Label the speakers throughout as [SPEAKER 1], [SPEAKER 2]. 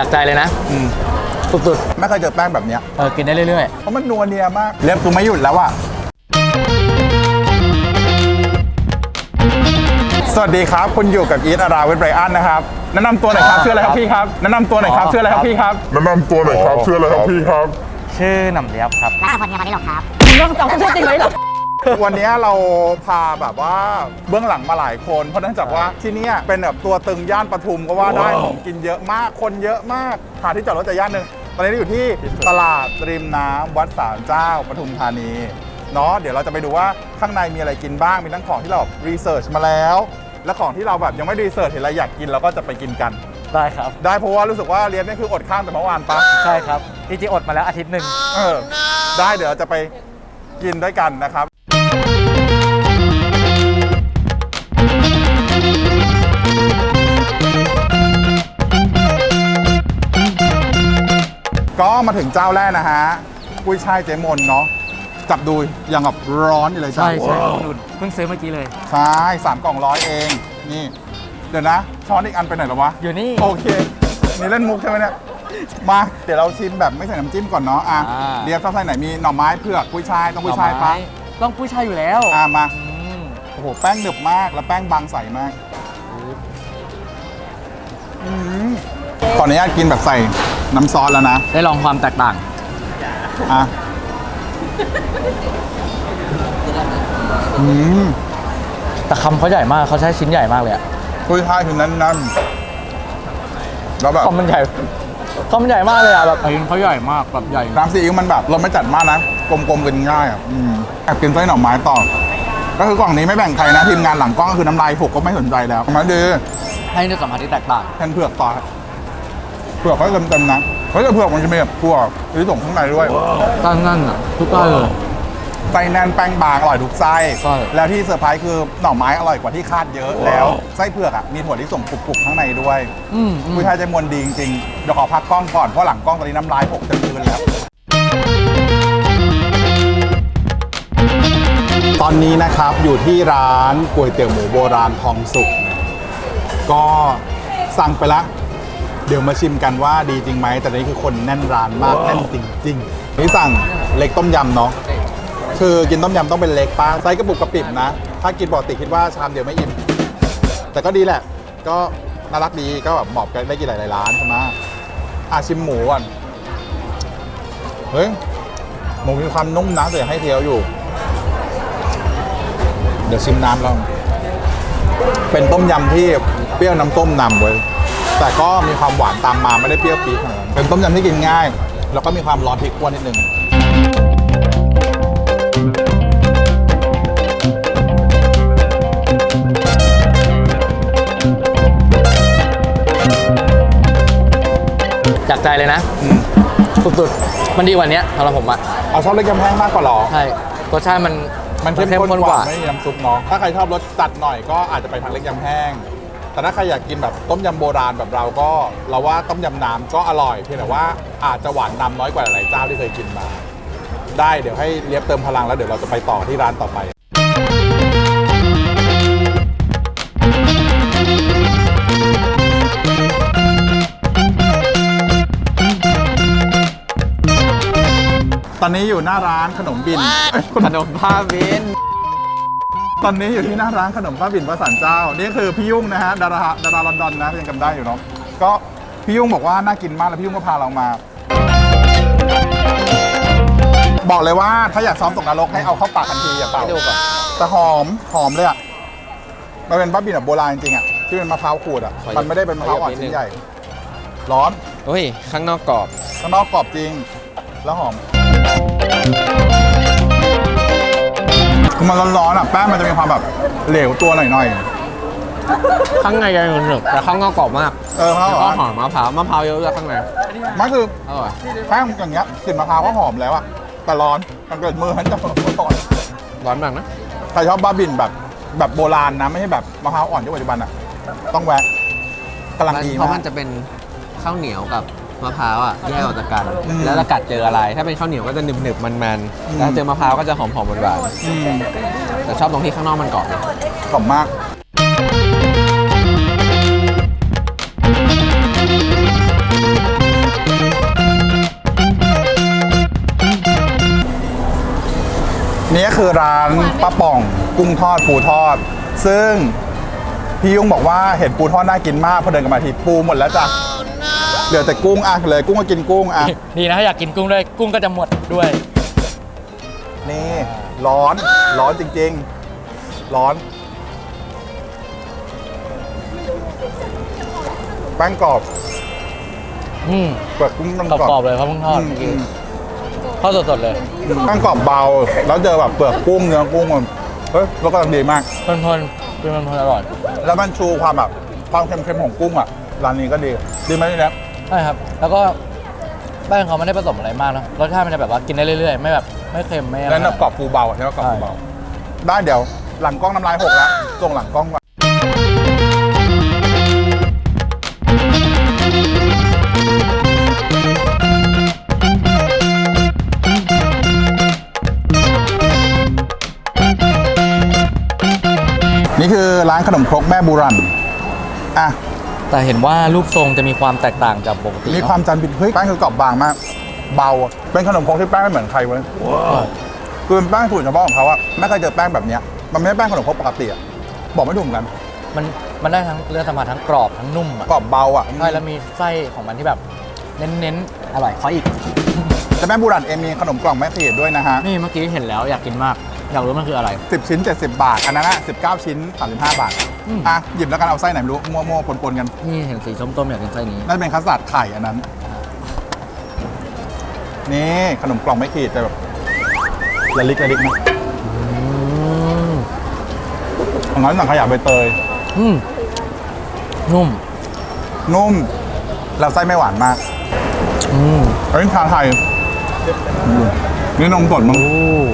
[SPEAKER 1] จากใจเลยนะสุด
[SPEAKER 2] ไม่เคยเจอแป้งแบบเนี้ย
[SPEAKER 1] กินได้เรื่อย
[SPEAKER 2] เพราะมันนัวเนียมากเล็บกูไม่หยุดแล้วอะสวัสดีครับคุณอยู่กับอีทอาราวิทไบรอันนะครับแนะนำตัวหน่อยครับชื่ออะไรครับพี่ครับแนะนำตัวหน่อยครับชื่ออะไรครับพี่ครับ
[SPEAKER 3] แนะนำตัวหน่อยครับชื่ออะไรครับพี่ครับ
[SPEAKER 1] ชื่อหน่ำเลียบครับ
[SPEAKER 4] ร้านอาหารเฮียมาได้หรอครับ
[SPEAKER 1] มึงต้องจำชื่อจริงเลยเหรอ
[SPEAKER 2] วันนี้เราพาแบบว่าเบื้องหลังมาหลายคนเพราะเนื่องจากว่าที่นี่เป็นแบบตัวตึงย่านปทุมก็ว่าได้ของกินเยอะมากคนเยอะมากหาที่จอดรถจะย่านหนึ่งตอนนี้เราอยู่ที่ตลาดริมน้ำวัดศาลเจ้าปทุมธานีเนาะเดี๋ยวเราจะไปดูว่าข้างในมีอะไรกินบ้างมีทั้งของที่เรารีเสิร์ชมาแล้วและของที่เราแบบยังไม่รีเสิร์ชเห็นอะไรอยากกินเราก็จะไปกินกัน
[SPEAKER 1] ได้ครับ
[SPEAKER 2] ได้เพราะว่ารู้สึกว่าเรียนนี่คืออดข้าวแต่เมื่อวานปะ
[SPEAKER 1] ใช่ครับจริงๆอดมาแล้วอาทิตย์หนึ่ง
[SPEAKER 2] ได้เดี๋ยวเราจะไปกินด้วยกันนะครับก็มาถึงเจ้าแรกนะฮะกุ้ยช่ายเจมนเนาะจับดูยังแบบร้อนอยู่เลย
[SPEAKER 1] ใช่นุ่นเพิ่งซื้อเมื่อกี้เลย
[SPEAKER 2] ใช่3 กล่อง100เองนี่เดี๋ยวนะช้อนอีกอันไปไหนแล้ววะ
[SPEAKER 1] อยู่นี่
[SPEAKER 2] โอเคนี่เล่นมุกใช่ไหมเนี่ยมาเดี๋ยวเราชิมแบบไม่ใส่น้ำจิ้มก่อนเนาะเรียบชอบใส่ไหนมีหน่อไม้เผือกกุ้ยช่ายต้องกุ้ยช่ายปะ
[SPEAKER 1] ต้องกุ้ยช่ายอยู่แล้ว
[SPEAKER 2] มาโอ้โหแป้งหนึบมากแล้วแป้งบางใสมากขออนุญาตกินแบบใส่น้ำซอสแล้วนะ
[SPEAKER 1] ได้ลองความแตกต่างแต่คำเขาใหญ่มากเขาใช้ชิ้นใหญ่มากเลยอะ
[SPEAKER 2] กุ้ยช่ายคือนั่นแล้วแบบ
[SPEAKER 1] คำมันใหญ่มากเลยอะแบบชิ้นเขาใหญ่มากแบบใหญ่
[SPEAKER 2] น้ำซีอิ๊วมันแบบรสไม่จัดมากนะกลมๆกินง่ายแอบกินไส้หน่อไม้ต่อก็คือกล่องนี้ไม่แบ่งใครนะทีมงานหลังกล้องก็คือน้ำลายผกก็ไม่สนใจแล้วมาดี
[SPEAKER 1] ให้เนื้อสัมผัสที่แตกต่าง
[SPEAKER 2] แทนเผือกต่อเผือกเขาเต็มๆนะเฮ้ยแต่เผือกมันจะมีแบบพวกที่ส่งข้างในด้วย
[SPEAKER 1] ตั้งนั่นอ่ะทุกไส้เลย
[SPEAKER 2] ไส้แน่นแป้งบางอร่อยทุกไส้แล้วที่เซอร์ไพรส์คือหน่อไม้อร่อยกว่าที่คาดเยอะแล้วไส้เผือกอ่ะมีถั่วที่ส่งกรุบๆข้างในด้วยกุ้ยช่ายเจมนดีจริงๆเดี๋ยวขอพักกล้องก่อนเพราะหลังกล้องตอนนี้น้ำลายหกเต็มพื้นแล้วตอนนี้นะครับอยู่ที่ร้านก๋วยเตี๋ยวหมูโบราณทองสุกก็สั่งไปแล้วเดี๋ยวมาชิมกันว่าดีจริงไหมแต่นี่คือคนแน่นร้านมากแน่นจริงๆนี่สั่งเล็กต้มยำเนาะคือกินต้มยำต้องเป็นเล็กป้าไซส์กระปุกกระปิบนะถ้ากินปกติคิดว่าชามเดียวไม่อิ่มแต่ก็ดีแหละก็น่ารักดีก็แบบเหมาะกันได้กินหลายๆร้านใช่ไหมชิมหมูก่อนเฮ้ยหมูมีความนุ่มนะแต่ให้เทียวอยู่เดี๋ยวชิมน้ำลองเป็นต้มยำที่เปรี้ยวน้ำส้มนำไว้แต่ก็มีความหวานตามมาไม่ได้เปรี้ยวปี๊ดขนาดนั้นเป็นต้มยำที่กินง่ายแล้วก็มีความร้อนพริกกวนนิดนึง
[SPEAKER 1] จากใจเลยนะสุดๆมันดีกว่านี้สำหรับผมอะ
[SPEAKER 2] เอาชอบเล็กยำแห้งมากกว่าหรอ
[SPEAKER 1] ใช่รสชาติ
[SPEAKER 2] มันเข้มข้นกว่าไม่มีน้ำซุปเนาะถ้าใครชอบรสจัดหน่อยก็อาจจะไปทางเล็กยำแห้งแต่ถ้าใครอยากกินแบบต้มยำโบราณแบบเราก็เราว่าต้มยำน้ำก็อร่อยเพียงแต่ว่าอาจจะหวานนำน้อยกว่าหลายเจ้าที่เคยกินมาได้เดี๋ยวให้เลียบเติมพลังแล้วเดี๋ยวเราจะไปต่อที่ร้านต่อไปตอนนี้อยู่หน้าร้านขนมบิน
[SPEAKER 1] ขนมผ้าบิน
[SPEAKER 2] ตอนนี้อยู่ที่หน้าร้านขนมผ้าบินวัดศาลเจ้านี่คือพี่ยุ่งนะฮะดาราลอนดอนนะยังจำได้อยู่เนาะก็พี่ยุ่งบอกว่าน่ากินมากแล้วพี่ยุ่งก็พาเรามาบอกเลยว่าถ้าอยากซ้อมตกนรกให้เอาเข้าปากทันทีอย่าเป่าแต่หอมเลยอ่ะมันเป็นผ้าบินแบบโบราณจริงๆอ่ะที่เป็นมะพร้าวขูดอ่ะมันไม่ได้เป็นมะพร้าวอ่อนชิ้นใหญ่ร้อน
[SPEAKER 1] โอ้ยข้างนอกกรอบ
[SPEAKER 2] ข้างนอกกรอบจริงแล้วหอมคือมันร้อนๆอ่ะแป้งมันจะมีความแบบเหลวตัวหน่อย
[SPEAKER 1] ๆข้างในจะหนึบแต่ข้างนอกกรอบมาก
[SPEAKER 2] แล้ว
[SPEAKER 1] ก็หอมมะพร้าวเยอะๆข้างใน
[SPEAKER 2] มันคือแป้งอย่างเงี้ยกลิ่นมะพร้าวก็หอมแล้วอ่ะแต่ร้อนมันเกิดมือฉันจะ
[SPEAKER 1] ร้อนมากนะ
[SPEAKER 2] ใครชอบบ้าบินแบบโบราณนะไม่ใช่แบบมะพร้าวอ่อนที่ปัจจุบันอ่ะต้องแวะกำลังดีมาก
[SPEAKER 1] เพราะมันจะเป็นข้าวเหนียวกับมะพร้าวอ่ะแยกออกจากกันแล้วเรากัดเจออะไรถ้าเป็นข้าวเหนียวก็จะหนึบๆมันๆแล้วเจอมะพร้าวก็จะหอมๆหวานๆแต่ชอบตรงที่ข้างนอกมันกรอบ
[SPEAKER 2] มาก
[SPEAKER 3] เ
[SPEAKER 2] นี่ก็คือร้านป้าป่องกุ้งทอดปูทอด ซึ่งพี่ยุ่งบอกว่าเห็นปูทอดน่ากินมากพอเดินกลับมาทีปูหมดแล้วจ้ะเหลือแต่กุ้งอ่ะเลยกุ้งก็กินกุ้งอ่ะ
[SPEAKER 4] ดีนะถ้าอยากกินกุ้งด้วยกุ้งก็จะหมดด้วย
[SPEAKER 2] นี่ร้อนจริงๆ ร้อนแป้งกรอบ เปลือกกุ้งมัน
[SPEAKER 4] กรอบๆเลยเพราะเพิ่งทอดเมื่อกี้ทอดสดๆเลย
[SPEAKER 2] แป้งกรอบเบา แล้วเจอแบบเปลือกกุ้งเนื้อกุ้งมันเฮ้ยรสกำลังดีมาก
[SPEAKER 4] ทนๆเป็นมันอร่อย
[SPEAKER 2] แล้วมันชูความแบบความเค็มๆของกุ้งอ่ะร้านนี้ก็ดีดีไหมนี่นะ
[SPEAKER 4] ใช่ครับ แล้วก็แป้งเขาไม่ได้ผสมอะไรมากนะรสชาติมันจะแบบว่ากินได้เรื่อยๆ ไม่แบบไม่เค็มไม่อะไร
[SPEAKER 2] แล้วกรอบฟูเบาใช่ไหมกรอบฟูเบาได้เดี๋ยวหลังกล้องน้ำลายหกแล้วส่งหลังกล้องก่อนนี่คือร้านขนมครกแม่บุรันอ่ะ
[SPEAKER 4] แต่เห็นว่ารูปทรงจะมีความแตกต่างจากปกติ
[SPEAKER 2] มีความจันทร์บิดเฮ้ยแป้งคือกรอบบางมาก เบาอะเป็นขนมครกที่แป้งไม่เหมือนใครเว้ยคือเป็นแป้งสูตรเฉพาะของเขาอะไม่เคยเจอแป้งแบบเนี้ยมันไม่ใช่แป้งขนมครกปกติอะบอกไม่ถูกเหมือนกัน
[SPEAKER 4] มันได้ทั้งเรื่องสัมผัสทั้งกรอบทั้งนุ่มอ่ะ
[SPEAKER 2] กรอบเบาอะ
[SPEAKER 4] ใช่แล้วมีไส้ของมันที่แบบเน้นๆอร่อยขออีก
[SPEAKER 2] แต่แม่บุรันเองมีขนมกล่องแม่เสียดด้วยนะฮะ
[SPEAKER 4] นี่เมื่อกี้เห็นแล้วอยากกินมาก อยากรู้มันคืออะไร
[SPEAKER 2] 10 ชิ้น 70 บาท อันนั้นอะ19 ชิ้น 35 บาทอ่ะหยิบแล้วกันเอาไส้ไหนไม่รู้มั่วๆปนๆกัน
[SPEAKER 4] นี่เห็นสีส้มๆอยากกินไส้นี้
[SPEAKER 2] น่าจะเป็นคัสตาร์ดไข่อันนั้น นี่ขนมกล่องไม่ขีดแต่แบบละลิกนะของนั้นสั่งขยะใบเตย
[SPEAKER 4] นุ่ม
[SPEAKER 2] นุ่มแล้วไส้ไม่หวานมากอันนี้ชาไทยนี่นมสดมั้ง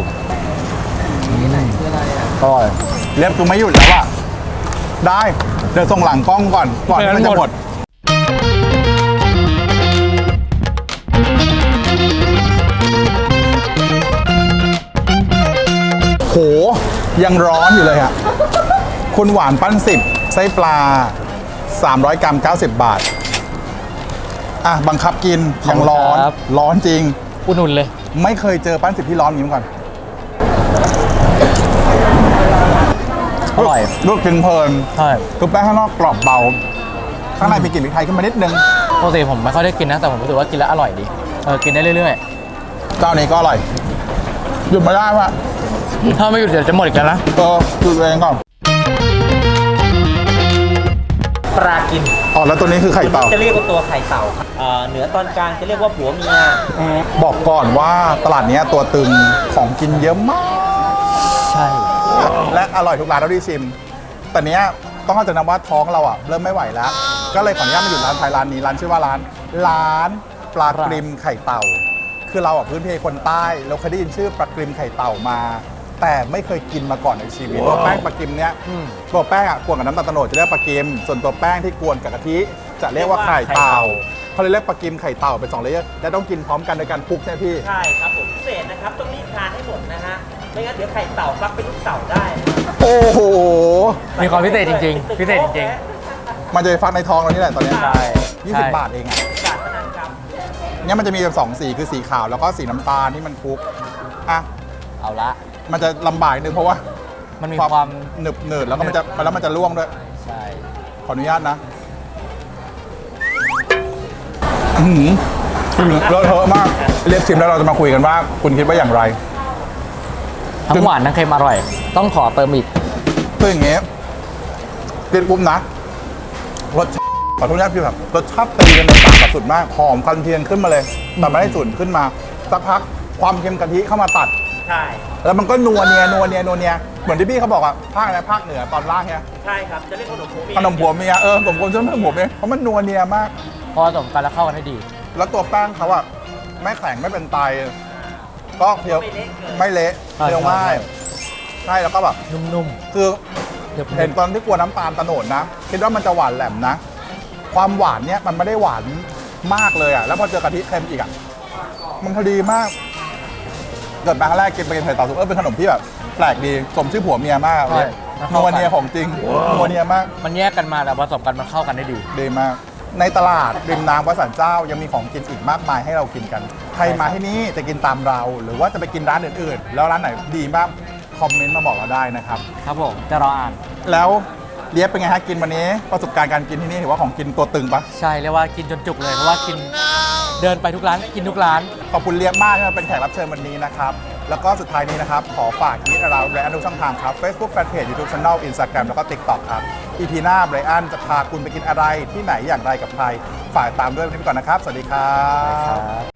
[SPEAKER 4] อร่อย
[SPEAKER 2] เล็บกูไม่หยุดแล้วอะได้ เดี๋ยวส่งหลังกล้องก่อนที่มันจะหมด โห ยังร้อนอยู่เลยอะคุณหวานปั้น10ไส้ปลา 300 กรัม 90 บาท อ่ะ บังคับกินยังร้อน
[SPEAKER 4] ครับ
[SPEAKER 2] ร้อนจริง
[SPEAKER 4] อุ่นๆเลย
[SPEAKER 2] ไม่เคยเจอปั้น10ที่ร้อนอย่างนี้มาก่อน
[SPEAKER 4] อร่อย
[SPEAKER 2] ลูกกินเพลิน
[SPEAKER 4] ใช่
[SPEAKER 2] คือแป้งข้างนอกกรอบเบา ข้างในมีกลิ่นพริกไทยขึ้นมานิดนึง
[SPEAKER 4] ปกติผมไม่ค่อยได้กินนะ แต่ผมรู้สึกว่ากินแล้วอร่อยดี กินได้เรื่อย
[SPEAKER 2] เจ้านี้ก็อร่อย หยุดไม่ได้ว่ะ
[SPEAKER 4] ๆ ถ้าไม่หยุดเดี๋ยวจะหมดอีกแล้วนะ
[SPEAKER 2] หยุดเองก่อน
[SPEAKER 5] ปลากิน
[SPEAKER 2] อ๋อแล้วตัวนี้คือไข่เต่า
[SPEAKER 5] จะเรียกว่าตัวไข่เต่าครับเหนือตอนกลางจะเรียกว่าผัวเมีย
[SPEAKER 2] บอกก่อนว่าตลาดเนี้ยตัวตึงของกินเยอะมาก
[SPEAKER 4] ใช่
[SPEAKER 2] และอร่อยทุกร้านเท่าที่ชิม แต่เนี้ยต้องเข้าใจนะว่าท้องเราอ่ะเริ่มไม่ไหวแล้ว ก็เลยขออนุญาตมาอยู่ร้านไทยร้านนี้ร้านชื่อว่าร้านปลากริมไข่เต่า คือเราอ่ะพื้นเพคนใต้เราเคยได้ยินชื่อปลากริมไข่เต่ามา แต่ไม่เคยกินมาก่อนในชีวิตตัวแป้งปลากริมเนี้ยตัวแป้งอ่ะกวนกับน้ำตาลโตโนดจะเรียกปลากริม ส่วนตัวแป้งที่กวนกับกะทิจะเรียกว่าไข่เต่าเขาเลยเรียกปลากริมไข่เต่าเป็น2เลเยอร์และต้องกินพร้อมกันโดยการคลุกใช่ไหมพี่
[SPEAKER 5] ใช่ครับผมพิเศษนะครับต้องรีบทานให้หมดนะฮะไม่งั้นเดี๋ยวไข่เต่าฟักเป็นลูกเต่าได้
[SPEAKER 2] โอ้โห
[SPEAKER 4] มีความพิเศษจริงๆ พิเศษจริง
[SPEAKER 2] มันจะไปฟักในท้องเรานี่แหละตอนเนี้ย
[SPEAKER 4] ใช่
[SPEAKER 2] 20 บาทเองอ่ะ
[SPEAKER 5] จานเท่านั้นครับ
[SPEAKER 2] เนี่ยมันจะมีแบบ2สีคือสีขาวแล้วก็สีน้ำตาลที่มันคลุกอ่ะ
[SPEAKER 4] ๆ เอาละ
[SPEAKER 2] มันจะลำบากนิดนึงเพราะว่า
[SPEAKER 4] มันมีความ
[SPEAKER 2] หนึบหนืดแล้วก็มันจะร่วงด้วย
[SPEAKER 4] ใช่
[SPEAKER 2] ขออนุญาตนะอื้อหือเลอะเทอะมากเรียกชิมแล้วเราจะมาคุยกันว่า คุณคิดว่าอย่างไร
[SPEAKER 4] ทั้งหวานทั้งเค็มอร่อย ต้องขอเติมอีก
[SPEAKER 2] คืออย่างเงี้ยกินปุ๊บนะรสชาติขอโทษนะพี่แบบรสชาติตีกันในปากแบบสุดมากหอมกันเทียนขึ้นมาเลยแต่ไม่ได้ฉุนขึ้นมาสักพักความเค็มกะทิเข้ามาตัด
[SPEAKER 5] ใช่
[SPEAKER 2] แล้วมันก็นัวเนียเหมือนที่พี่เขาบอกอะภาคอะไรภาคเหนือตอนล่างเนี่ย
[SPEAKER 5] ใช่ครับจะเรียกขนมผัวเมีย
[SPEAKER 2] ขนมผัวเมียผมควรจะไม่ผมเนี่ยเพราะมันนัวเนียมาก
[SPEAKER 4] พอผสมกันแล้วเข้ากันให้ดี
[SPEAKER 2] แล้วตัวแป้งเขาอะไม่แข็งไม่เป็นไตก็เคี้ยวไม่เละ
[SPEAKER 4] ใช่
[SPEAKER 2] เคี้ยวง่าย
[SPEAKER 4] ใช่
[SPEAKER 2] ใช่แล้วก็แบบ
[SPEAKER 4] นุ่ม
[SPEAKER 2] คือ
[SPEAKER 4] ๆเดี๋ยว
[SPEAKER 2] เห็นตอนที่กลัวน้ำตาลตะโนดนะคิดว่ามันจะหวานแหลมนะ ความหวานเนี่ยมันไม่ได้หวานมากเลยอะแล้วพอเจอกะทิเค็มอีกอะมันพอดีมาก เกิดมาครั้งแรกกินไปกินไข่เต่าสุกเป็นขนมที่แบบแปลกดีสมชื่อผัวเมียมากเลยนัวเนียของจริงนัวเนียมาก
[SPEAKER 4] มันแยกกันมาแต่ผสมกันมันเข้ากันได้ดี
[SPEAKER 2] ดีมากในตลาดริมน้ำวัดสันเจ้ายังมีของกินอีกมากมายให้เรากินกัน ใครมาที่นี่จะกินตามเรา หรือว่าจะไปกินร้านอื่นๆ แล้วร้านไหนดีบ้างคอมเมนต์มาบอกเราได้นะครับ
[SPEAKER 4] ครับผมจะรออ่าน
[SPEAKER 2] แล้วเลียบเป็นไงฮะกินวันนี้ประสบการณ์การกินที่นี่ถือว่าของกินตัวตึงปะ
[SPEAKER 4] ใช่เรียกว่ากินจนจุกเลยเพราะว่ากินเดินไปทุกร้านกินทุกร้าน
[SPEAKER 2] ขอบคุณเลียบมากที่มาเป็นแขกรับเชิญวันนี้นะครับแล้วก็สุดท้ายนี้นะครับขอฝากยิดเราไบรอันทุกช่องทางครับ Facebook Fanpage YouTube Channel Instagram แล้วก็ TikTok ครับ EP หน้าไบรอันจะพาคุณไปกินอะไรที่ไหนอย่างไรกับใครฝากตามด้วยวันนี้ไปก่อนนะครับสวัสดีครับ